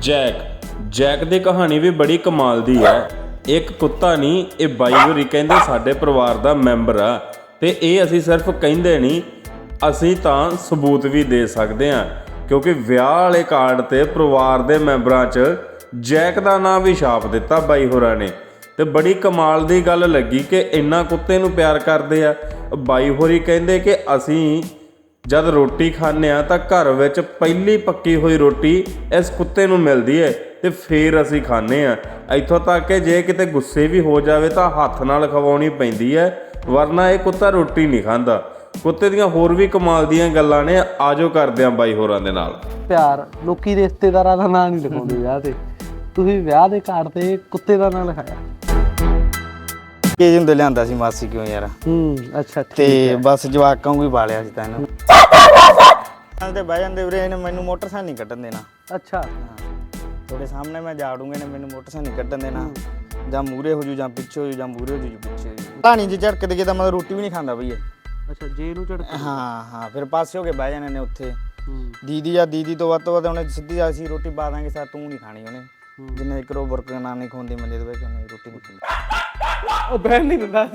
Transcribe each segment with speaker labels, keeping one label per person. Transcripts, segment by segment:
Speaker 1: Jack Jack ਦੀ ਕਹਾਣੀ ਵੀ ਬੜੀ ਕਮਾਲ ਦੀ ਹੈ। ਇੱਕ ਕੁੱਤਾ ਨਹੀਂ, ਇਹ ਬਾਈ ਹੋਰੀ ਕਹਿੰਦੇ ਸਾਡੇ ਪਰਿਵਾਰ ਦਾ ਮੈਂਬਰ ਆ। ਤੇ ਇਹ ਅਸੀਂ ਸਿਰਫ ਕਹਿੰਦੇ ਨਹੀਂ, ਅਸੀਂ ਤਾਂ ਸਬੂਤ ਵੀ ਦੇ ਸਕਦੇ ਹਾਂ, ਕਿਉਂਕਿ ਵਿਆਹ ਵਾਲੇ ਕਾਰਡ ਤੇ ਪਰਿਵਾਰ ਦੇ ਮੈਂਬਰਾਂ 'ਚ ਜੈਕ ਦਾ ਨਾਂ ਵੀ ਛਾਪ ਦਿੱਤਾ ਬਾਈ ਹੋਰਾਂ ਨੇ। ਤੇ ਬੜੀ ਕਮਾਲ ਦੀ ਗੱਲ ਲੱਗੀ ਕਿ ਇੰਨਾ ਕੁੱਤੇ ਨੂੰ ਪਿਆਰ ਕਰਦੇ ਆ। ਬਾਈ ਹੋਰੀ ਕਹਿੰਦੇ ਕਿ ਅਸੀਂ ਜਦ ਰੋਟੀ ਖਾਂਦੇ ਆ ਤਾਂ ਘਰ ਵਿੱਚ ਪਹਿਲੀ ਪੱਕੀ ਹੋਈ ਰੋਟੀ ਇਸ ਕੁੱਤੇ ਨੂੰ ਮਿਲਦੀ ਹੈ ਤੇ ਫੇਰ ਅਸੀਂ ਖਾਂਦੇ ਆ। ਇੱਥੋਂ ਤੱਕ ਕਿ ਜੇ ਕਿਤੇ ਗੁੱਸੇ ਵੀ ਹੋ ਜਾਵੇ ਤਾਂ ਹੱਥ ਨਾਲ ਖਵਾਉਣੀ ਪੈਂਦੀ ਹੈ, ਵਰਨਾ ਇਹ ਕੁੱਤਾ ਰੋਟੀ ਨਹੀਂ ਖਾਂਦਾ। ਕੁੱਤੇ ਦੀਆਂ ਹੋਰ ਵੀ ਕਮਾਲ ਦੀਆਂ ਗੱਲਾਂ ਨੇ, ਆਜੋ ਕਰਦੇ ਆ ਬਾਈ ਹੋਰਾਂ ਦੇ ਨਾਲ
Speaker 2: ਪਿਆਰ। ਲੋਕੀ ਰਿਸ਼ਤੇਦਾਰਾਂ ਦਾ ਨਾਂ ਨਹੀਂ ਲਿਖਾਉਂਦੇ ਵਿਆਹ ਤੇ, ਤੁਸੀਂ ਵਿਆਹ ਦੇ ਕਾਰਡ ਤੇ ਕੁੱਤੇ ਦਾ ਨਾਂ ਲਿਖਾਇਆ।
Speaker 3: ਕੇਜ ਹੁੰਦੇ ਲਿਆਂਦਾ ਸੀ ਮਾਸੀ ਕਿਉਂ ਯਾਰ।
Speaker 2: ਅੱਛਾ
Speaker 3: ਤੇ ਬਸ ਜਵਾਕਾਂ ਨੂੰ ਹੀ ਪਾਲਿਆ ਸੀ ਤਾਂ ਇਹਨੂੰ। ਤੇ ਬਹਿ ਜਾਂਦੇ ਵੀਰੇ, ਇਹਨੇ ਮੈਨੂੰ ਮੋਟਰਸਾਈਕਲ ਨਹੀਂ ਕੱਢਣ ਦੇਣਾ।
Speaker 2: ਅੱਛਾ
Speaker 3: ਤੁਹਾਡੇ ਸਾਹਮਣੇ ਮੈਂ ਜਾੜੂੰਗਾ, ਇਹਨੇ ਮੈਨੂੰ ਮੋਟਰਸਾਈਕਲ ਨਹੀਂ ਕੱਢਣ ਦੇਣਾ। ਜਾਂ ਮੂਰੇ ਹੋ ਜੂ ਜਾਂ ਪਿੱਛੇ ਹੋ ਜੂ, ਜਾਂ ਮੂਰੇ ਹੋ ਜੂ ਪਿੱਛੇ ਹੋ ਜੂ। ਕਹਾਣੀ ਜੇ ਝੜਕ ਦੇ ਤਾਂ ਮਤਲਬ ਰੋਟੀ ਵੀ ਨਹੀਂ ਖਾਂਦਾ ਬਈ ਇਹ।
Speaker 2: ਅੱਛਾ ਜੇ ਇਹਨੂੰ ਝੜਕ।
Speaker 3: ਹਾਂ ਫਿਰ ਪਾਸੇ ਹੋ ਕੇ ਬਹਿ ਜਾਣੇ ਨੇ ਉੱਥੇ। ਦੀਦੀ ਤੋਂ ਵੱਧ ਉਹਨੇ ਸਿੱਧੀ ਆ ਸੀ ਰੋਟੀ ਪਾ ਦਾਂਗੇ ਸਰ, ਤੂੰ ਨਹੀਂ ਖਾਣੀ ਉਹਨੇ। ਜਿੰਨੇ ਇੱਕ ਰੋ ਬੁਰਕ ਨਾ ਨਹੀਂ ਖਵਾਉਂਦੀ ਮੰਜੇ ਤੇ ਬਹਿ ਕੇ, ਉਹਨੇ ਰੋਟੀ ਨਹੀਂ ਖਾਂਦੀ।
Speaker 2: ਉਹ ਬਹਿਣ ਨਹੀਂ ਦਿੰਦਾ।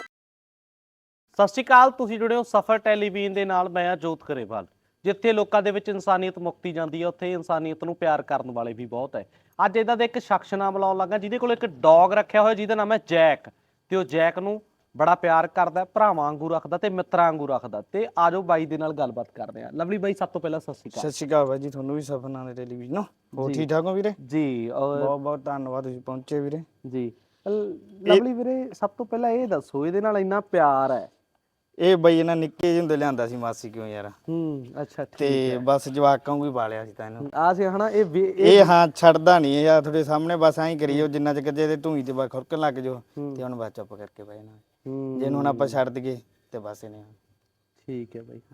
Speaker 2: ਸਤਿ ਸ਼੍ਰੀ ਅਕਾਲ, ਤੁਸੀਂ ਜੁੜੇ ਹੋ ਸਫਰ ਟੈਲੀਵਿਜ਼ਨ ਦੇ ਨਾਲ। ਮੈਂ ਆ ਜੋਤ ਕਰੇਵਾਲ। ਜਿੱਥੇ ਲੋਕਾਂ ਦੇ ਵਿੱਚ ਇਨਸਾਨੀਅਤ ਮੁਕਤੀ ਜਾਂਦੀ ਹੈ, ਉੱਥੇ ਇਨਸਾਨੀਅਤ ਨੂੰ ਪਿਆਰ ਕਰਨ ਵਾਲੇ ਵੀ ਬਹੁਤ ਹੈ। ਅੱਜ ਇਹਦਾ ਦੇ ਇੱਕ ਸ਼ਖਸ ਨਾਮ ਲਾਉਣ ਲੱਗਾ ਜਿਹਦੇ ਕੋਲ ਇੱਕ ਡੌਗ ਰੱਖਿਆ ਹੋਇਆ ਜਿਹਦਾ ਨਾਮ ਹੈ ਜੈਕ। ਤੇ ਉਹ ਜੈਕ ਨੂੰ ਬੜਾ ਪਿਆਰ ਕਰਦਾ, ਭਰਾਵਾਂ ਵਾਂਗੂ ਰੱਖਦਾ ਤੇ ਮਿੱਤਰਾਂ ਵਾਂਗੂ ਰੱਖਦਾ। ਤੇ ਆਜੋ ਬਾਈ ਦੇ ਨਾਲ ਗੱਲਬਾਤ ਕਰਦੇ ਆ। ਲਵਲੀ ਬਾਈ, ਸਭ ਤੋਂ ਪਹਿਲਾਂ ਸਤਿ ਸ਼੍ਰੀ ਅਕਾਲ।
Speaker 3: ਸਤਿ ਸ਼੍ਰੀ ਅਕਾਲ ਬਾਈ ਜੀ, ਤੁਹਾਨੂੰ ਵੀ ਸਫਰ ਨਾਲ ਟੈਲੀਵਿਜ਼ਨ। ਹੋਰ ਠੀਕ ਠਾਕ ਹੋ ਵੀਰੇ?
Speaker 2: ਜੀ
Speaker 3: ਬਹੁਤ ਬਹੁਤ ਧੰਨਵਾਦ, ਤੁਸੀਂ ਪਹੁੰਚੇ ਵੀਰੇ
Speaker 2: ਜੀ। ਲਵਲੀ ਵੀਰੇ, ਸਭ ਤੋਂ ਪਹਿਲਾਂ ਇਹ ਦੱਸੋ, ਇਹਦੇ ਨਾਲ ਇੰਨਾ ਪਿਆਰ ਹੈ।
Speaker 3: ਇਹ ਬਈ ਇਹਨਾਂ ਨਿੱਕੇ ਜਿਹੇ ਹੁੰਦੇ ਲਿਆਂਦਾ ਸੀ ਮਾਸੀ ਕਿਉਂ ਯਾਰ।
Speaker 2: ਅੱਛਾ
Speaker 3: ਤੇ ਬਸ ਜਵਾਕਾਂ ਨੂੰ ਹੀ ਪਾਲਿਆ ਸੀ ਤਾਂ ਇਹਨੂੰ।
Speaker 2: ਆ ਸੀ ਹਨਾ
Speaker 3: ਇਹ ਹਾਂ ਛੱਡਦਾ ਨਹੀਂ ਇਹ ਯਾਰ, ਤੁਹਾਡੇ ਸਾਹਮਣੇ ਬਸ ਐਂ ਕਰੀਓ ਜਿੰਨਾ ਚਿਰ ਜੇ ਧੂਈ ਤੇ ਬਸ ਖੁਰਕਣ ਲੱਗ ਜਾਓ ਤੇ ਹੁਣ ਬਸ ਚੁੱਪ ਕਰਕੇ ਬਹਿ ਜਾਣਾ। ਜੇ ਹੁਣ ਆਪਾਂ ਛੱਡ ਦਈਏ ਤੇ ਬਸ ਇਹਨੇ।
Speaker 2: ਠੀਕ ਹੈ ਬਾਈ।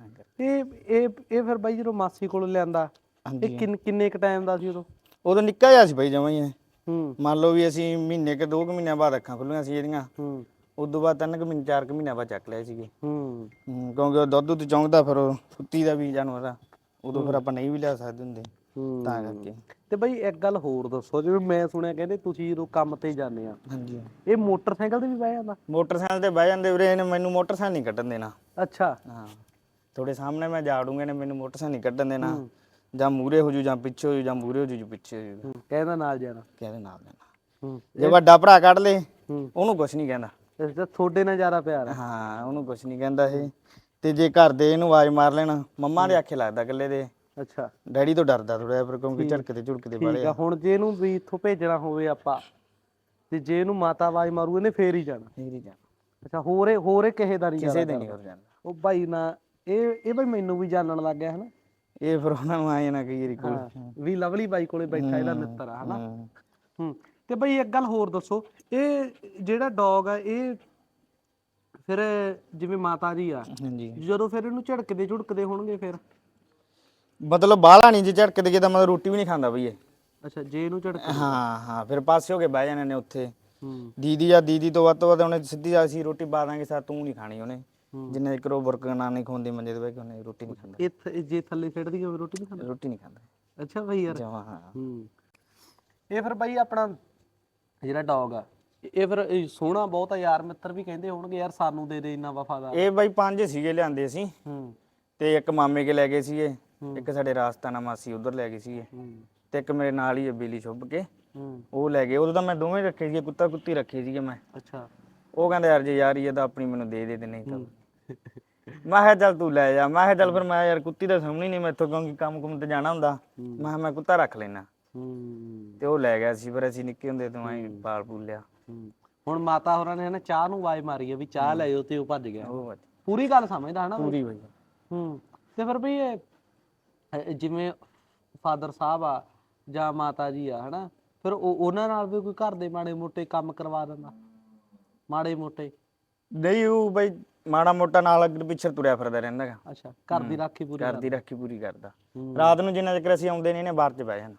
Speaker 2: ਇਹ ਫਿਰ ਬਾਈ ਜਦੋਂ ਮਾਸੀ ਕੋਲ ਲਿਆਂਦਾ, ਇਹ ਕਿੰਨੇ ਕ ਟਾਈਮ ਦਾ ਸੀ
Speaker 3: ਉਦੋਂ ਨਿੱਕਾ ਜਿਹਾ ਸੀ ਬਾਈ ਜਮਾਂ ਹੀ।
Speaker 2: ਹੂੰ
Speaker 3: ਮੰਨ ਲਓ ਵੀ ਅਸੀਂ ਮਹੀਨੇ ਕੇ 2 ਮਹੀਨਿਆਂ ਬਾਅਦ ਅੱਖਾਂ ਖੁੱਲੀਆਂ ਸੀ ਇਹਦੀਆਂ। ਉਦੋਂ ਬਾਅਦ 3 ਮਹੀਨੇ 4 ਮਹੀਨਿਆਂ ਬਾਅਦ ਚੱਕ ਲਿਆ ਸੀਗੇ। ਕਿਉਂਕਿ ਉਹ ਦੁੱਧ ਤੇ ਚੌਂਕਦਾ, ਫਿਰ ਉਹ ਸੁੱਤੀ ਦਾ ਵੀ ਜਾਨਵਰ ਆ, ਉਦੋਂ ਫਿਰ ਆਪਾਂ ਨਹੀਂ ਵੀ ਲਿਆ ਸਕਦੇ ਹੁੰਦੇ ਤਾਂ ਕਰਕੇ।
Speaker 2: ਤੇ ਬਈ ਇੱਕ ਗੱਲ ਹੋਰ ਦੱਸੋ, ਜਿਵੇਂ ਮੈਂ ਸੁਣਿਆ ਕਹਿੰਦੇ ਤੁਸੀਂ ਜਦੋਂ ਕੰਮ ਤੇ ਜਾਂਦੇ ਆ,
Speaker 3: ਹਾਂਜੀ,
Speaker 2: ਇਹ ਮੋਟਰਸਾਈਕਲ ਤੇ ਵੀ ਬਹਿ ਜਾਂਦਾ?
Speaker 3: ਮੋਟਰਸਾਈਕਲ ਤੇ ਬਹਿ ਜਾਂਦੇ ਵੀਰੇ, ਇਹਨੇ ਮੈਨੂੰ ਮੋਟਰਸਾਈਕਲ ਨਹੀਂ ਕੱਢਣ ਦੇਣਾ।
Speaker 2: ਅੱਛਾ
Speaker 3: ਹਾਂ, ਤੁਹਾਡੇ ਸਾਹਮਣੇ ਮੈਂ ਜਾੜੂੰਗਾ, ਇਹਨੇ ਮੈਨੂੰ ਮੋਟਰਸਾਈਕਲ ਨਹੀਂ ਕੱਢਣ ਦੇਣਾ। ਜਾਂ ਮੂਰੇ ਹੋ ਜੂ ਜਾਂ ਪਿੱਛੇ ਹੋ ਜੂ, ਜਾਂ ਮੂਰੇ ਹੋ ਜੂ ਪਿੱਛੇ ਹੋ ਜੂ।
Speaker 2: ਕਹਿੰਦਾ ਨਾਲ ਜਾਣਾ,
Speaker 3: ਕਹਿੰਦੇ ਨਾਲ ਜਾਣਾ। ਜੇ ਵੱਡਾ ਭਰਾ ਕੱਢ ਲੇ ਉਹਨੂੰ ਕੁਛ ਨਹੀਂ ਕਹਿੰਦਾ।
Speaker 2: ਤੁਹਾਡੇ ਨਾਲ ਜ਼ਿਆਦਾ ਪਿਆਰ ਹੈ?
Speaker 3: ਹਾਂ, ਉਹਨੂੰ ਕੁਛ ਨਹੀਂ ਕਹਿੰਦਾ ਇਹ। ਤੇ ਜੇ ਘਰ ਦੇ ਇਹਨੂੰ ਆਵਾਜ਼ ਮਾਰ ਲੈਣਾ, ਮੰਮਾ ਦੇ ਆਖੇ ਲੱਗਦਾ ਇਕੱਲੇ ਦੇ।
Speaker 2: ਅੱਛਾ,
Speaker 3: ਡੈਡੀ ਤੋਂ ਡਰਦਾ ਥੋੜਾ, ਫਿਰ ਕਿਉਂਕਿ ਝੜਕਦੇ ਝੁੜਕਦੇ ਵਾਲੇ ਆ।
Speaker 2: ਹੁਣ ਜੇ ਇਹਨੂੰ ਵੀ ਇੱਥੋਂ ਭੇਜਣਾ ਹੋਵੇ ਆਪਾਂ, ਤੇ ਜੇ ਇਹਨੂੰ ਮਾਤਾ ਆਵਾਜ਼ ਮਾਰੂ ਇਹਨੇ ਫੇਰ ਹੀ ਜਾਣਾ?
Speaker 3: ਫੇਰ ਹੀ ਜਾਣਾ।
Speaker 2: ਅੱਛਾ, ਹੋਰ ਕਿਸੇ ਦਾ ਨਹੀਂ?
Speaker 3: ਕਿਸੇ ਦੇ ਨਹੀਂ ਹੋ ਜਾਂਦਾ।
Speaker 2: ਉਹ ਭਾਈ ਨਾ ਇਹ ਬਈ ਮੈਨੂੰ ਵੀ ਜਾਣਨ ਲੱਗ ਗਿਆ ਹਨਾ।
Speaker 3: ਇਹ ਫਿਰ ਉਹਨਾਂ ਨੂੰ ਆਏ ਨਾ ਕਈ ਵਾਰੀ ਕੋਲ
Speaker 2: ਵੀ ਲਵਲੀ ਬਾਈ ਕੋਲੇ ਬੈਠਾ ਇਹਦਾ ਮਿੱਤਰ ਆ ਹਨਾ। ਤੇ ਬਈ ਇੱਕ ਗੱਲ ਹੋਰ ਦੱਸੋ, ਇਹ ਜਿਹੜਾ ਡੌਗ ਆ ਇਹ ਫਿਰ ਜਿਵੇਂ ਮਾਤਾ ਜੀ ਆ, ਜਦੋਂ ਫਿਰ ਇਹਨੂੰ ਝੜਕਦੇ ਹੋਣਗੇ ਫਿਰ
Speaker 3: ਮਤਲਬ ਬਾਹਲਾ ਨਹੀਂ, ਜੇ ਝੜਕਦੇ ਜੇ ਤਾਂ ਮਤਲਬ ਰੋਟੀ ਵੀ ਨਹੀਂ ਖਾਂਦਾ ਬਈ ਇਹ।
Speaker 2: ਅੱਛਾ, ਜੇ ਇਹਨੂੰ ਝੜਕ।
Speaker 3: ਹਾਂ ਫਿਰ ਪਾਸੇ ਹੋ ਕੇ ਬਹਿ ਜਾਣੇ ਨੇ ਉੱਥੇ। ਦੀਦੀ ਤੋਂ ਵੱਧ ਉਹਨੇ ਸਿੱਧੀ ਆ ਸੀ ਰੋਟੀ ਪਾ ਦਾਂਗੇ ਸਰ, ਤੂੰ ਨਹੀਂ ਖਾਣੀ ਉਹਨੇ। ਜਿੰਨੇ ਇੱਕ ਰੋ ਬੁਰਕ ਨਾ ਨਹੀਂ ਖਵਾਉਂਦੀ ਮੰਜੇ ਤੇ ਬਹਿ ਕੇ, ਉਹਨੇ ਰੋਟੀ ਨਹੀਂ ਖਾਂਦਾ।
Speaker 2: ਇਹ ਜੇ ਥੱਲੇ ਛੱਡਦੀ ਹੋਵੇ ਰੋਟੀ ਨਹੀਂ ਖਾਂਦਾ?
Speaker 3: ਰੋਟੀ ਨਹੀਂ ਖਾਂਦਾ।
Speaker 2: ਅੱਛਾ ਬਈ ਯਾਰ।
Speaker 3: ਹਾਂ
Speaker 2: ਇਹ ਫਿਰ ਬਾਈ ਆਪਣਾ ਜਿਹੜਾ ਡੌਗ ਆ, ਇਹ ਫਿਰ ਸੋਹਣਾ ਬਹੁਤ ਆ, ਯਾਰ ਮਿੱਤਰ ਵੀ ਕਹਿੰਦੇ ਹੋਣਗੇ ਯਾਰ ਸਾਨੂੰ ਦੇ ਦੇ ਇੰਨਾ ਵਫਾਦਾਰ।
Speaker 3: ਇਹ ਬਾਈ 5 ਸੀਗੇ ਲਿਆਂਦੇ ਅਸੀਂ। ਤੇ ਇੱਕ ਮਾਮੇ ਕੇ ਲੈ ਗਏ ਸੀਗੇ, ਇੱਕ ਸਾਡੇ ਰਾਸਤਾਨਾ ਮਾਸੀ ਉਧਰ ਲੈ ਗਏ ਸੀਗੇ, ਤੇ ਇੱਕ ਮੇਰੇ ਨਾਲ ਹੀ ਬੇਲੀ ਛੁੱਭ ਕੇ ਉਹ ਲੈ ਗਏ। ਉਦੋਂ ਤਾਂ ਮੈਂ ਦੋਵੇਂ ਰੱਖੇ ਸੀਗੇ, ਕੁੱਤਾ ਕੁੱਤੀ ਰੱਖੇ ਸੀਗੇ ਮੈਂ। ਅੱਛਾ, ਉਹ ਕਹਿੰਦੇ ਯਾਰ ਜੇ ਯਾਰ ਇਹ ਤਾਂ ਆਪਣੀ ਮੈਨੂੰ ਦੇ ਦੇ, ਤੇ ਨਹੀਂ ਤਾਂ ਮੈਂ ਕਿਹਾ ਚੱਲ ਤੂੰ ਲੈ ਜਾ। ਮੈਂ ਕਿਹਾ ਚੱਲ ਫਿਰ ਮੈਂ ਯਾਰ ਕੁੱਤੀ ਤਾਂ ਸਾਹਮਣੀ ਨਹੀਂ ਮੈਥੋਂ, ਕਿਉਂਕਿ ਕੰਮ ਕੁੰਮ ਤੇ ਜਾਣਾ ਹੁੰਦਾ। ਮੈਂ ਕਿਹਾ ਮੈਂ ਕੁੱਤਾ ਰੱਖ ਲੈਣਾ। ਤੇ ਉਹ ਲੈ ਗਿਆ ਸੀ। ਫਿਰ ਅਸੀਂ ਨਿੱਕੇ ਹੁੰਦੇ ਤੋਂ ਐਂ ਪਾਲ ਪੂਲ ਲਿਆ।
Speaker 2: ਹੁਣ ਮਾਤਾ ਹੋਰਾਂ ਨੇ ਨਾ ਚਾਹ ਨੂੰ ਆਵਾਜ਼ ਮਾਰੀ ਆ ਵੀ ਚਾਹ ਲੈ ਜਾਓ, ਤੇ ਉਹ ਭੱਜ ਗਿਆ। ਪੂਰੀ ਗੱਲ ਸਮਝਦਾ ਹਨਾ?
Speaker 3: ਪੂਰੀ ਬਈ।
Speaker 2: ਤੇ ਫਿਰ ਬਈ ਇਹ ਜਿਵੇਂ ਫਾਦਰ ਸਾਹਿਬ ਆ ਜਾਂ ਮਾਤਾ ਜੀ ਆ ਹਨਾ, ਫਿਰ ਉਹਨਾਂ ਨਾਲ ਵੀ ਕੋਈ ਘਰ ਦੇ ਮਾੜੇ ਮੋਟੇ ਕੰਮ ਕਰਵਾ ਦਿੰਦਾ? ਮਾੜੇ ਮੋਟੇ
Speaker 3: ਨਹੀਂ, ਉਹ ਬਈ ਮਾੜਾ ਮੋਟਾ ਨਾਲ ਅੱਗੇ ਪਿੱਛੇ ਤੁਰਿਆ ਫਿਰਦਾ ਰਹਿੰਦਾ ਗਾ।
Speaker 2: ਅੱਛਾ, ਘਰ ਦੀ ਰਾਖੀ
Speaker 3: ਪੂਰੀ ਕਰਦਾ। ਰਾਤ ਨੂੰ ਜਿੰਨਾ ਚਿਰ ਅਸੀਂ ਆਉਂਦੇ ਨਹੀਂ ਨੇ ਬਾਹਰ ਚ ਬਹਿ ਜਾਣਾ।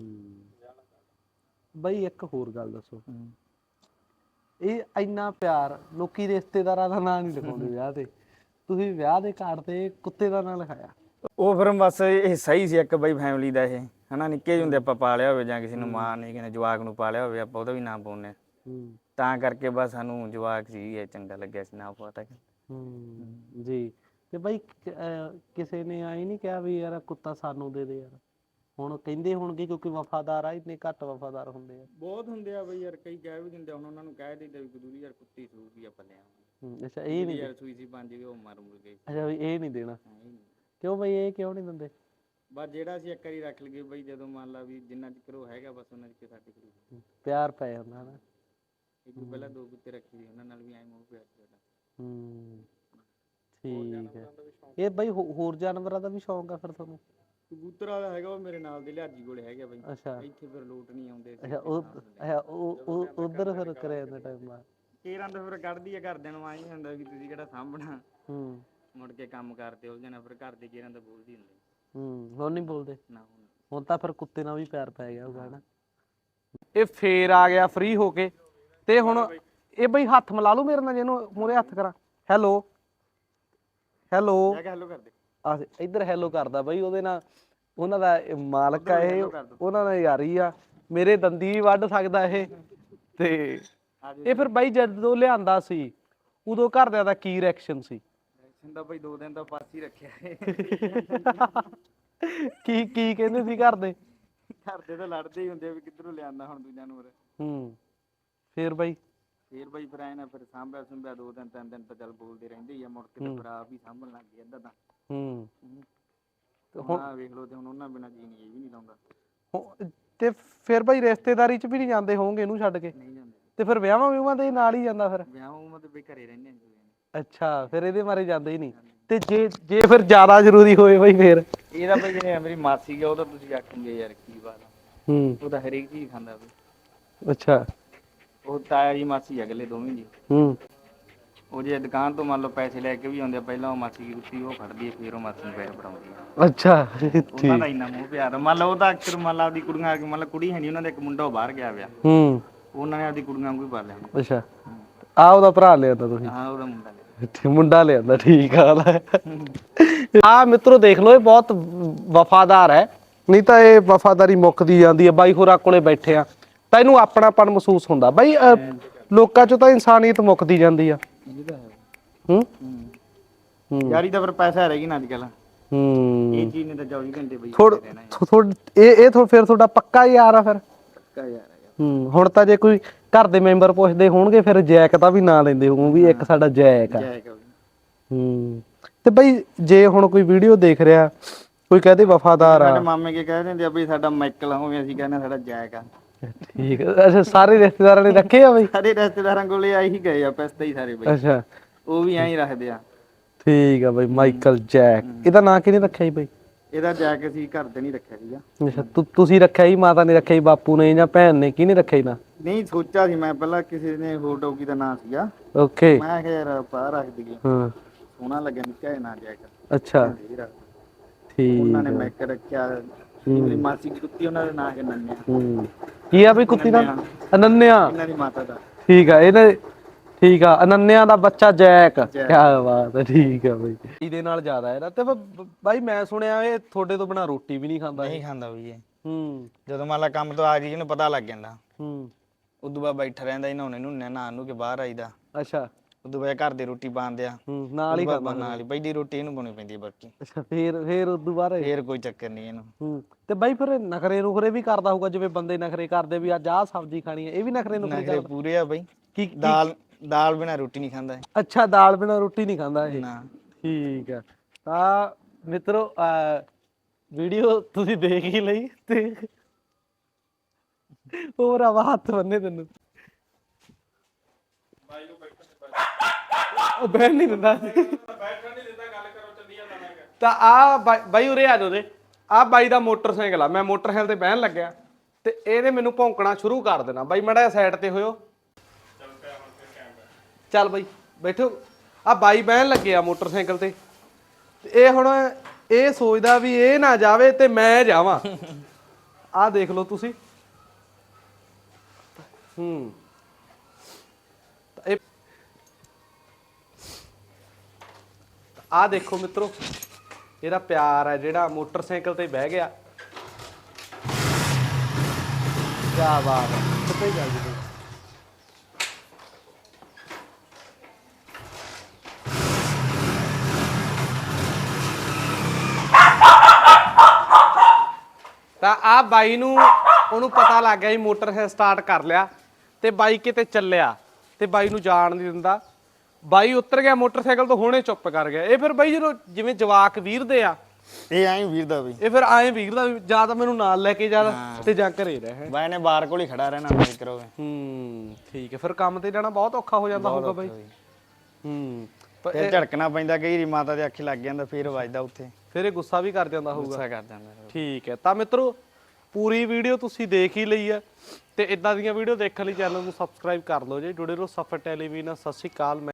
Speaker 2: ਬਈ ਇੱਕ ਹੋਰ ਗੱਲ ਦੱਸੋ, ਇਹ ਇੰਨਾ ਪਿਆਰ ਲੋਕੀ ਰਿਸ਼ਤੇਦਾਰਾਂ ਦਾ ਨਾਂ ਨਹੀਂ ਲਿਖਾਉਂਦੇ ਵਿਆਹ ਤੇ, ਤੁਸੀਂ ਵਿਆਹ ਦੇ ਕਾਰਡ ਤੇ ਕੁੱਤੇ ਦਾ ਨਾਂ ਲਿਖਾਇਆ?
Speaker 3: ਉਹ ਫਿਰ ਬਸ ਇਹ ਸਹੀ ਸੀ ਇੱਕ ਬਈ ਫੈਮਿਲੀ ਦਾ। ਇਹ ਹਨਾ ਨਿੱਕੇ ਜਿਹੇ ਹੁੰਦੇ ਆਪਾਂ ਪਾਲਿਆ ਹੋਵੇ ਜਾਂ ਕਿਸੇ ਨੂੰ ਮਾਂ ਨੇ ਕਿਸੇ ਜਵਾਕ ਨੂੰ ਪਾਲਿਆ ਹੋਵੇ ਆਪਾਂ ਉਹਦਾ ਵੀ ਨਾਮ ਪਾਉਂਦੇ ਤਾਂ ਕਰਕੇ ਬਸ ਸਾਨੂੰ ਜਵਾਕ ਸੀ ਇਹ ਚੰਗਾ ਲੱਗਿਆ ਸੀ ਨਾਮ ਪਤਾ
Speaker 2: ਜੀ। ਤੇ ਬਾਈ ਕਿਸੇ ਨੇ ਆਈ ਨਹੀਂ ਕਿਹਾ ਵੀ ਯਾਰ ਕੁੱਤਾ ਸਾਨੂੰ ਦੇ ਦੇ ਯਾਰ? ਹੁਣ ਕਹਿੰਦੇ ਹੋਣਗੇ ਕਿਉਂਕਿ ਵਫਾਦਾਰ ਆ, ਇੰਨੇ ਘੱਟ ਵਫਾਦਾਰ ਹੁੰਦੇ ਆ।
Speaker 3: ਬਹੁਤ ਹੁੰਦੇ ਆ ਬਈ ਯਾਰ, ਕਈ ਕਹਿ ਵੀ ਦਿੰਦੇ ਹੁਣ ਉਹਨਾਂ ਨੂੰ ਕਹਿ ਦਿੰਦੇ ਵੀ ਗੁਰੂ ਯਾਰ ਕੁੱਤੀ ਸੂਗੀ ਆਪਾਂ ਲੈ ਆਵਾਂਗੇ।
Speaker 2: ਅੱਛਾ ਇਹ ਨਹੀਂ
Speaker 3: ਯਾਰ ਸੂਈ ਸੀ 5 ਵੀ ਉਹ ਮਰ ਮੁਰ ਗਈ।
Speaker 2: ਅੱਛਾ ਵੀ ਇਹ ਨਹੀਂ ਦੇਣਾ ਕਿਉਂ ਬਈ? ਇਹ ਕਿਉਂ ਨਹੀਂ ਦਿੰਦੇ?
Speaker 3: ਬਸ ਜਿਹੜਾ ਅਸੀਂ ਇੱਕ ਵਾਰੀ ਰੱਖ ਲਈਏ ਬਈ, ਜਦੋਂ ਮੰਨ ਲਾ ਵੀ ਜਿੰਨਾ ਚਿਰ ਉਹ ਹੈਗਾ ਬਸ ਉਹਨਾਂ ਚਿਰ ਸਾਡੇ ਕੋਲ
Speaker 2: ਪਿਆਰ ਪੈ ਜਾਂਦਾ ਨਾ।
Speaker 3: ਇੱਕ ਪਹਿਲਾਂ 2 ਕੁੱਤੇ ਰੱਖੇ ਸੀ, ਉਹਨਾਂ ਨਾਲ ਵੀ ਐਂ ਮੋਹ ਪਿਆਰ ਸਾਡਾ।
Speaker 2: ਠੀਕ ਹੈ। ਇਹ ਬਈ ਹੋਰ ਜਾਨਵਰਾਂ ਦਾ ਵੀ ਸ਼ੌਂਕ ਆ ਫਿਰ ਤੁਹਾਨੂੰ?
Speaker 3: ਕਬੂਤਰ ਵਾਲਾ ਹੈਗਾ ਉਹ ਮੇਰੇ ਨਾਲ ਦੇ ਲਿਆਜੀ ਕੋਲੇ ਹੈਗਾ ਬਈ।
Speaker 2: ਅੱਛਾ
Speaker 3: ਇੱਥੇ ਫਿਰ ਲੋਟ ਨਹੀਂ ਆਉਂਦੇ।
Speaker 2: ਅੱਛਾ ਉਹ ਉਧਰ ਫਿਰ ਕਰਿਆ ਜਾਂਦਾ ਟਾਈਮ ਆ
Speaker 3: ਕੇਰਾਂ ਤਾਂ ਫਿਰ ਕੱਢਦੀ ਆ ਘਰਦਿਆਂ ਨੂੰ, ਆਈ ਹੁੰਦਾ ਵੀ ਤੁਸੀਂ ਕਿਹੜਾ ਸਾਂਭਣਾ। ਮੁੜ ਕੇ ਕੰਮ ਕਰਦੇ ਹੋ ਜਾਣਾ, ਫਿਰ ਘਰ ਦੇ ਕੇਰਾਂ ਤਾਂ ਬੋਲਦੀ ਹੁੰਦੀ।
Speaker 2: ਹੁਣ ਨਹੀਂ ਬੋਲਦੇ
Speaker 3: ਨਾ
Speaker 2: ਹੁਣ ਤਾਂ ਫਿਰ ਕੁੱਤੇ ਨਾਲ ਵੀ ਪਿਆਰ ਪੈ ਗਿਆ ਹੋਊਗਾ ਨਾ। ਇਹ ਫੇਰ ਆ ਗਿਆ ਫ੍ਰੀ ਹੋ ਕੇ ਤੇ ਹੁਣ ਇਹ ਬਈ ਹੱਥ ਮਿਲਾ ਲੂ ਮੇਰੇ ਨਾਲ, ਜਿਹਨੂੰ ਮੂਹਰੇ ਹੱਥ ਕਰਾਂ। ਹੈਲੋ ਹੈਲੋ
Speaker 3: ਹੈਲੋ ਕਰਦੇ
Speaker 2: ਆ ਇੱਧਰ ਹੈਲੋ ਕਰਦਾ ਬਈ। ਉਹਦੇ ਨਾਲ ਉਹਨਾਂ ਦਾ ਮਾਲਕ ਆ ਇਹ, ਉਹਨਾਂ ਨਾਲ ਯਾਰੀ ਆ। ਮੇਰੇ ਦੰਦੀ ਵੀ ਵੱਢ ਸਕਦਾ ਇਹ। ਤੇ ਇਹ ਫਿਰ ਬਾਈ ਜਦੋਂ ਲਿਆਂਦਾ ਸੀ ਉਦੋਂ ਘਰਦਿਆਂ ਦਾ ਕੀ ਰਿਐਕਸ਼ਨ ਸੀ?
Speaker 3: ਦਾ ਬਈ 2 ਦਿਨ ਤਾਂ ਪਾਸ ਹੀ ਰੱਖਿਆ
Speaker 2: ਕੀ ਕਹਿੰਦੇ ਸੀ ਘਰਦੇ?
Speaker 3: ਘਰਦੇ ਤਾਂ ਲੜਦੇ ਹੀ ਹੁੰਦੇ ਵੀ ਕਿੱਧਰੋਂ ਲਿਆਂਦਾ ਹੁਣ ਤੂੰ ਜਾਨਵਰ।
Speaker 2: ਫੇਰ ਬਾਈ
Speaker 3: ਫਿਰ ਆਏ ਨਾ, ਫਿਰ ਸਾਂਭਿਆ ਸੁੰਭਿਆ 2 ਦਿਨ 3 ਦਿਨ ਤਾਂ ਚੱਲ ਬੋਲਦੇ ਰਹਿੰਦੇ ਹੀ ਆ। ਮੁੜ ਕੇ ਤਾਂ ਫਿਰ ਆਪ ਹੀ ਸਾਂਭਣ ਲੱਗ ਗਏ ਅੱਧਾ ਤਾਂ। ਤੇ ਹੁਣ ਵੇਖ ਲਓ, ਤੇ ਹੁਣ ਉਹਨਾਂ ਬਿਨਾਂ ਜੀ ਨਹੀਂ, ਇਹ ਵੀ ਨਹੀਂ ਲਾਉਂਦਾ।
Speaker 2: ਤੇ ਫਿਰ ਬਾਈ ਰਿਸ਼ਤੇਦਾਰੀ ਚ ਵੀ ਨਹੀਂ ਜਾਂਦੇ ਹੋਣਗੇ ਇਹਨੂੰ ਛੱਡ ਕੇ?
Speaker 3: ਨਹੀਂ ਜਾਂਦੇ।
Speaker 2: ਤੇ ਫਿਰ ਵਿਆਹਾਂ ਵਿਆਹਾਂ ਦੇ ਨਾਲ ਹੀ ਜਾਂਦਾ ਫਿਰ?
Speaker 3: ਵਿਆਹਾਂ ਤੇ ਬਈ ਘਰੇ ਰਹਿੰਦੇ ਨੇ।
Speaker 2: ਅੱਛਾ ਫਿਰ ਇਹਦੇ ਮਾਰੇ ਜਾਂਦੇ ਹੀ ਨਹੀਂ। ਤੇ ਜੇ ਫਿਰ ਜ਼ਿਆਦਾ ਜ਼ਰੂਰੀ ਹੋਏ ਬਈ ਫਿਰ?
Speaker 3: ਇਹਦਾ ਬਈ ਜਿਹੜੇ ਮੇਰੀ ਮਾਸੀ ਆ ਉਹ ਤਾਂ ਤੁਸੀਂ ਆਖੋਗੇ ਯਾਰ ਕੀ ਬਾਤ ਆ। ਉਹ ਤਾਂ ਹਰੇਕ ਚੀਜ਼ ਖਾਂਦਾ ਬਈ।
Speaker 2: ਅੱਛਾ
Speaker 3: ਉਹ ਤਾਇਆ ਜੀ ਮਾਸੀ ਅਗਲੇ ਦੋਵੇਂ ਜੀ। ਉਹ ਜੇ ਦੁਕਾਨ ਤੋਂ ਮੰਨ ਲਓ ਪੈਸੇ ਲੈ ਕੇ ਵੀ ਆਉਂਦੇ ਆ, ਪਹਿਲਾਂ ਉਹ ਮਾਸੀ ਦੀ ਕੁੱਤੀ ਉਹ ਫੜਦੀ ਹੈ, ਫਿਰ ਉਹ ਮਾਸੀ ਨੂੰ ਪੈਸੇ ਫੜਾਉਂਦੀ ਆ।
Speaker 2: ਅੱਛਾ
Speaker 3: ਉਹਨਾਂ ਦਾ ਇੰਨਾ ਮੋਹ ਪਿਆਰ। ਮੰਨ ਲਓ ਉਹਦਾ ਅਕਸਰ ਮੰਨ ਲਾ ਆਪਦੀ ਕੁੜੀਆਂ ਆ ਕੇ, ਮੰਨ ਲਾ ਕੁੜੀ ਹੈ ਨਹੀਂ ਉਹਨਾਂ ਦਾ, ਇੱਕ ਮੁੰਡਾ ਉਹ ਬਾਹਰ ਗਿਆ ਵਿਆ, ਉਹਨਾਂ ਨੇ ਆਪਦੀ ਕੁੜੀਆਂ ਵਾਂਗੂ ਹੀ ਪਾਲਿਆ।
Speaker 2: ਅੱਛਾ ਆ ਉਹਦਾ ਭਰਾ ਲਿਆਂਦਾ ਤੁਸੀਂ?
Speaker 3: ਹਾਂ ਉਹਦਾ ਮੁੰਡਾ ਲਿਆ।
Speaker 2: ਮੁੰਡਾ ਲਿਆਂਦਾ, ਠੀਕ ਆ। ਮਿੱਤਰੋ ਦੇਖ ਲਓ ਇਹ ਬਹੁਤ ਵਫਾਦਾਰ ਹੈ, ਨਹੀਂ ਤਾਂ ਇਹ ਵਫਾਦਾਰੀ ਮੁੱਕਦੀ ਜਾਂਦੀ ਹੈ। ਬਾਈ ਹੋਰਾਂ ਕੋਲੇ ਬੈਠੇ ਆ ਤਾਂ ਇਹਨੂੰ ਆਪਣਾਪਨ ਮਹਿਸੂਸ ਹੁੰਦਾ। ਬਾਈ ਲੋਕਾਂ ਚੋਂ ਤਾਂ ਇਨਸਾਨੀਅਤ ਮੁੱਕਦੀ ਜਾਂਦੀ ਆ।
Speaker 3: ਯਾਰੀ ਤਾਂ ਫਿਰ ਪੈਸਾ ਰਹਿ ਗਈ ਨਾ ਅੱਜ ਕੱਲ। ਇਹ ਚੀਜ਼ ਨੇ ਤਾਂ 24 ਘੰਟੇ ਬਈ
Speaker 2: ਇਹ ਫਿਰ ਤੁਹਾਡਾ ਪੱਕਾ ਯਾਰ ਆ ਫਿਰ?
Speaker 3: ਪੱਕਾ ਯਾਰ ਆ।
Speaker 2: ਹੁਣ ਤਾਂ ਜੇ ਕੋਈ ਘਰ ਦੇ ਮੈਂਬਰ ਪੁੱਛਦੇ ਹੋਣਗੇ ਫਿਰ ਜੈਕ ਦਾ ਵੀ ਨਾਂ ਲੈਂਦੇ ਹੋਣ ਵੀ ਇੱਕ ਸਾਡਾ ਜੈਕ ਆ। ਤੇ ਬਈ ਜੇ ਹੁਣ ਕੋਈ ਵੀਡੀਓ ਦੇਖ ਰਿਹਾ, ਕੋਈ ਕਹਦੇ ਵਫਾਦਾਰ ਆ,
Speaker 3: ਸਾਡੇ ਮਾਮੇ ਕੇ ਕਹਿ ਦਿੰਦੇ ਆ ਬਈ ਸਾਡਾ ਮਾਈਕਲ ਆ, ਹੋਵੇ ਅਸੀਂ ਕਹਿੰਦੇ ਸਾਡਾ ਜੈਕ ਆ।
Speaker 2: ਠੀਕ ਹੈ। ਅੱਛਾ ਸਾਰੇ ਰਿਸ਼ਤੇਦਾਰਾਂ ਨੇ ਰੱਖੇ ਆ ਬਈ?
Speaker 3: ਸਾਰੇ ਰਿਸ਼ਤੇਦਾਰਾਂ ਕੋਲੇ ਆਈ ਹੀ ਗਏ ਆ ਪੈਸੇ ਹੀ ਸਾਰੇ ਬਈ।
Speaker 2: ਅੱਛਾ
Speaker 3: ਉਹ ਵੀ ਐਂ ਹੀ ਰੱਖਦੇ ਆ।
Speaker 2: ਠੀਕ ਆ ਬਈ, ਮਾਈਕਲ ਜੈਕ। ਇਹਦਾ ਨਾਂ ਕਿਹਨੇ ਰੱਖਿਆ ਜੀ ਬਈ?
Speaker 3: ਇਹਦਾ ਜੈਕ ਅਸੀਂ ਘਰ ਦੇ ਨਹੀਂ ਰੱਖਿਆ ਸੀਗਾ।
Speaker 2: ਅੱਛਾ ਤੁਸੀਂ ਰੱਖਿਆ ਜੀ, ਮਾਤਾ ਨੇ ਰੱਖਿਆ ਜੀ, ਬਾਪੂ ਨੇ ਜਾਂ ਭੈਣ ਨੇ, ਕਿਹਨੇ ਰੱਖਿਆ ਜੀ ਨਾਂ?
Speaker 3: ਨਹੀਂ ਸੋਚਿਆ ਸੀ ਮੈਂ ਪਹਿਲਾਂ, ਕਿਸੇ ਨੇ ਹੋਰ ਡੌਗੀ ਦਾ ਨਾਂ ਸੀਗਾ।
Speaker 2: ਓਕੇ
Speaker 3: ਮੈਂ ਕਿਹਾ ਯਾਰ ਪਾ ਰੱਖ ਦਈਏ, ਸੋਹਣਾ ਲੱਗਿਆ ਨਿੱਕਾ ਜਿਹਾ ਨਾਂ ਜੈਕ।
Speaker 2: ਅੱਛਾ ਠੀਕ।
Speaker 3: ਉਹਨਾਂ ਨੇ ਮੈਕ ਰੱਖਿਆ। ਮੇਰੀ ਮਾਸੀ ਦੀ ਕੁੱਤੀ, ਉਹਨਾਂ ਦਾ ਨਾਂ ਹੈ ਨੰਨਿਆ।
Speaker 2: ਕੀ ਆ ਬਈ ਕੁੱਤੀ ਦਾ? ਅਨੰਨਿਆ।
Speaker 3: ਇਹਨਾਂ ਦੀ ਮਾਤਾ ਦਾ।
Speaker 2: ਠੀਕ ਆ। ਇਹਨੇ ਠੀਕ ਆ, ਅਨੰਨਿਆ ਦਾ ਬੱਚਾ ਜੈਕ। ਕੀ ਬਾਤ ਹੈ, ਠੀਕ ਆ ਬਈ। ਇਹਦੇ ਨਾਲ ਜ਼ਿਆਦਾ ਹੈ ਨਾ। ਤੇ ਬਾਈ ਮੈਂ ਸੁਣਿਆ ਇਹ ਤੁਹਾਡੇ ਤੋਂ ਬਿਨਾ ਰੋਟੀ ਵੀ ਨਹੀਂ ਖਾਂਦਾ?
Speaker 3: ਨਹੀਂ ਖਾਂਦਾ ਬਈ ਇਹ। ਜਦੋਂ ਮੰਨ ਲਾ ਕੰਮ ਤੋਂ ਆ ਗਈ ਇਹਨੂੰ ਪਤਾ ਲੱਗ ਜਾਂਦਾ। ਉਦੋਂ ਬਾਅਦ ਬੈਠਾ ਰਹਿੰਦਾ, ਨਹਾਉਣੇ ਨੂੰ ਨਹਾਉਣ ਨੂੰ ਕੇ ਬਾਹਰ ਆਈਦਾ।
Speaker 2: ਅੱਛਾ
Speaker 3: ਉਦੋਂ ਬਾਅਦ ਘਰ ਦੇ ਰੋਟੀ ਪਾਉਂਦੇ ਆ,
Speaker 2: ਨਾਲ ਹੀ ਖਾਂਦਾ?
Speaker 3: ਨਾਲ ਹੀ ਪਹਿਲੀ ਰੋਟੀ ਇਹਨੂੰ ਪਾਉਣੀ ਪੈਂਦੀ ਹੈ ਬਾਕੀ।
Speaker 2: ਅੱਛਾ ਫਿਰ ਉਦੋਂ ਬਾਅਦ
Speaker 3: ਫੇਰ ਕੋਈ ਚੱਕਰ ਨਹੀਂ ਇਹਨੂੰ।
Speaker 2: ਤੇ ਬਾਈ ਫਿਰ ਨਖਰੇ ਨੁਖਰੇ ਵੀ ਕਰਦਾ ਹੋਊਗਾ, ਜਿਵੇਂ ਬੰਦੇ ਨਖਰੇ ਕਰਦੇ ਵੀ ਅੱਜ ਆਹ ਸਬਜ਼ੀ ਖਾਣੀ ਹੈ, ਇਹ ਵੀ ਨਖਰੇ ਨੁਖਰੇ
Speaker 3: ਨਖਰੇ ਪੂਰੇ ਆ ਬਈ।
Speaker 2: ਕੀ
Speaker 3: ਦਾਲ ਬਿਨਾ ਰੋਟੀ ਨਹੀਂ ਖਾਂਦਾ।
Speaker 2: ਅੱਛਾ ਦਾਲ ਬਿਨਾ ਰੋਟੀ ਨਹੀਂ ਖਾਂਦਾ ਇਹ?
Speaker 3: ਨਾ।
Speaker 2: ਠੀਕ ਆ। ਤਾਂ ਮਿੱਤਰੋ ਵੀਡੀਓ ਤੁਸੀਂ ਦੇਖ ਹੀ ਲਈ ਤੇ ਹੋਰ ਆ ਹੱਥ ਬੰਨੇ ਤੈਨੂੰ ਉਹ ਬੈਠ ਨਹੀਂ ਦਿੰਦਾ। ਤਾਂ ਆ ਬਾਈ ਉਰੇ ਆ ਜਾਓ ਦੇ। ਆ ਬਾਈ ਦਾ ਮੋਟਰਸਾਈਕਲ ਆ, ਮੈਂ ਮੋਟਰਸਾਈਕਲ ਤੇ ਬਹਿਣ ਲੱਗਿਆ ਤੇ ਇਹਨੇ ਮੈਨੂੰ ਭੌਂਕਣਾ ਸ਼ੁਰੂ ਕਰ ਦੇਣਾ। ਬਾਈ ਮਾੜਾ ਜਿਹਾ ਸਾਈਡ ਤੇ ਹੋਇਓ। ਚੱਲ ਬਾਈ ਬੈਠੋ। ਆ ਬਾਈ ਬਹਿਣ ਲੱਗੇ ਆ ਮੋਟਰਸਾਈਕਲ ਤੇ ਇਹ ਹੁਣ ਇਹ ਸੋਚਦਾ ਵੀ ਇਹ ਨਾ ਜਾਵੇ ਤੇ ਮੈਂ ਜਾਵਾਂ। ਆ ਦੇਖ ਲਓ ਤੁਸੀਂ। ਆ ਦੇਖੋ ਮਿੱਤਰੋ, ਇਹਦਾ ਪਿਆਰ ਹੈ ਜਿਹੜਾ ਮੋਟਰਸਾਈਕਲ ਤੇ ਬਹਿ ਗਿਆ ਕਿਆ ਬਾਤ ਹੈ, ਕਿੱਥੇ ਚੱਲ ਜੀ ਤਾਂ ਆ ਬਾਈ ਨੂੰ ਉਹਨੂੰ ਪਤਾ ਲੱਗ ਗਿਆ ਜੀ ਮੋਟਰ ਸਟਾਰਟ ਕਰ ਲਿਆ ਤੇ ਬਾਈ ਕਿਤੇ ਚੱਲਿਆ ਤੇ ਬਾਈ ਨੂੰ ਜਾਣ ਨਹੀਂ ਦਿੰਦਾ। ਬਾਈ ਉਤਰ ਗਿਆ ਮੋਟਰਸਾਈਕਲ ਤੋਂ, ਹੁਣੇ ਚੁੱਪ ਕਰ ਗਿਆ। ਇਹ ਫਿਰ ਬਾਈ ਜਦੋਂ ਜਿਵੇਂ ਜਵਾਕ ਵੀਰਦੇ ਆ,
Speaker 3: ਇਹ ਐਂ ਵੀਰਦਾ ਬਈ,
Speaker 2: ਇਹ ਫਿਰ ਐਂ ਵੀਰਦਾ ਵੀ ਜਾਂ ਤਾਂ ਮੈਨੂੰ ਨਾਲ ਲੈ ਕੇ ਜਾ ਤੇ ਜਾਂ ਘਰੇ ਰਹਿ।
Speaker 3: ਬਾਈ ਨੇ ਬਾਹਰ ਕੋਲ ਹੀ ਖੜਾ ਰਹਿਣਾ ਮੈਂ ਕਰੋਗੇ।
Speaker 2: ਠੀਕ ਹੈ। ਫਿਰ ਕੰਮ ਤੇ ਜਾਣਾ ਬਹੁਤ ਔਖਾ ਹੋ ਜਾਂਦਾ ਹੋਊਗਾ ਬਾਈ।
Speaker 3: ਫਿਰ ਝੜਕਣਾ ਪੈਂਦਾ, ਕਈ ਵਾਰੀ ਮਾਤਾ ਦੇ ਅੱਖੇ ਲੱਗ ਜਾਂਦਾ, ਫਿਰ ਵੱਜਦਾ ਉੱਥੇ,
Speaker 2: ਫਿਰ ਇਹ ਗੁੱਸਾ ਵੀ ਕਰ ਜਾਂਦਾ ਹੋਊਗਾ।
Speaker 3: ਗੁੱਸਾ ਕਰ ਜਾਂਦਾ।
Speaker 2: ਠੀਕ ਹੈ। ਤਾਂ ਮਿੱਤਰੋ ਪੂਰੀ ਵੀਡੀਓ ਤੁਸੀਂ ਦੇਖ ਹੀ ਲਈ ਹੈ ਤੇ ਇਦਾਂ ਦੀਆਂ ਵੀਡੀਓ ਦੇਖਣ ਲਈ ਚੈਨਲ ਨੂੰ ਸਬਸਕ੍ਰਾਈਬ ਕਰ ਲਓ ਜੀ। ਜੁੜੇ ਰਹੋ ਸਫਰ ਟੈਲੀਵਿਜ਼ਨ ਨਾਲ। ਸਤਿ ਸ਼੍ਰੀ ਅਕਾਲ।